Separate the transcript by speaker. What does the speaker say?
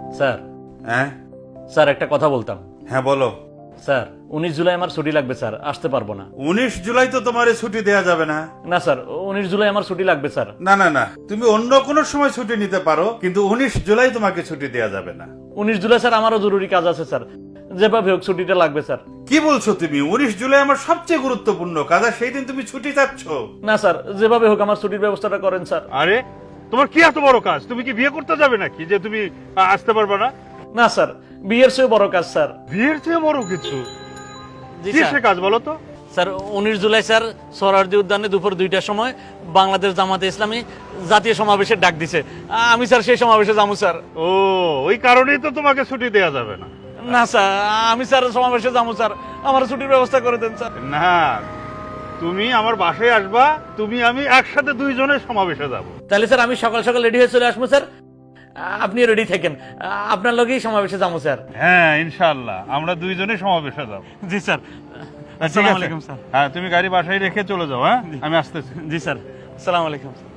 Speaker 1: Sir
Speaker 2: হ্যাঁ
Speaker 1: sir একটা কথা বলতাম।
Speaker 2: হ্যাঁ বলো।
Speaker 1: স্যার 19 জুলাই আমার ছুটি লাগবে স্যার, আসতে পারবো না।
Speaker 2: 19 জুলাই তো তোমার ছুটি দেয়া যাবে না।
Speaker 1: না স্যার 19 জুলাই আমার ছুটি লাগবে স্যার।
Speaker 2: না না না, তুমি অন্য কোনো সময় ছুটি নিতে পারো, কিন্তু 19 জুলাই তোমাকে ছুটি দেয়া যাবে না।
Speaker 1: 19 জুলাই স্যার আমারও জরুরি কাজ আছে স্যার, যেভাবে হোক ছুটিটা লাগবে স্যার।
Speaker 2: কি বলছো তুমি? 19 জুলাই আমার সবচেয়ে গুরুত্বপূর্ণ কাজ, আর সেই দিন তুমি ছুটি চাচ্ছ?
Speaker 1: না স্যার, যেভাবে হোক আমার ছুটির ব্যবস্থাটা করেন স্যার।
Speaker 3: আরে তোমার কি এত বড় কাজ? তুমি কি বিয়ে করতে যাবে নাকি যে তুমি আসতে পারবে না?
Speaker 1: না স্যার, বিয়ের চেয়ে বড় কাজ স্যার।
Speaker 3: বিয়ের চেয়ে বড় কিছু?
Speaker 1: জি
Speaker 3: কি
Speaker 1: স্যার।
Speaker 3: সে কাজ বলো তো?
Speaker 1: স্যার 19 জুলাই স্যার সোহরাওয়ার্দী উদ্যানে দুপুর 2টার সময় বাংলাদেশ জামাতে ইসলামী জাতীয় সমাবেশের ডাক দিছে। আমি স্যার সেই সমাবেশে যাবো স্যার।
Speaker 3: ও, ওই কারণেই তো তোমাকে ছুটি দেয়া যাবে না।
Speaker 1: না স্যার, আমি স্যার সমাবেশে যাবো স্যার, আমার ছুটির ব্যবস্থা করে দেন স্যার।
Speaker 3: না, তুমি আমার বাসায় আসবা, তুমি আমি একসাথে দুইজনের সমাবেশে যাব।
Speaker 1: তাহলে স্যার আমি সকাল সকাল রেডি হয়ে চলে আসবো স্যার, আপনি রেডি থাকেন, আপনার লগেই সমাবেশে যাবো স্যার।
Speaker 3: হ্যাঁ ইনশাআল্লাহ আমরা দুইজনে সমাবেশে যাব।
Speaker 1: জি স্যার।
Speaker 3: ঠিক
Speaker 1: আসসালামু
Speaker 3: আছে?
Speaker 1: আলাইকুম স্যার।
Speaker 3: হ্যাঁ, তুমি গাড়ি বাসায় রেখে চলে যাও। হ্যাঁ, আমি আসতেছি।
Speaker 1: জি স্যার, আসসালামু আলাইকুম।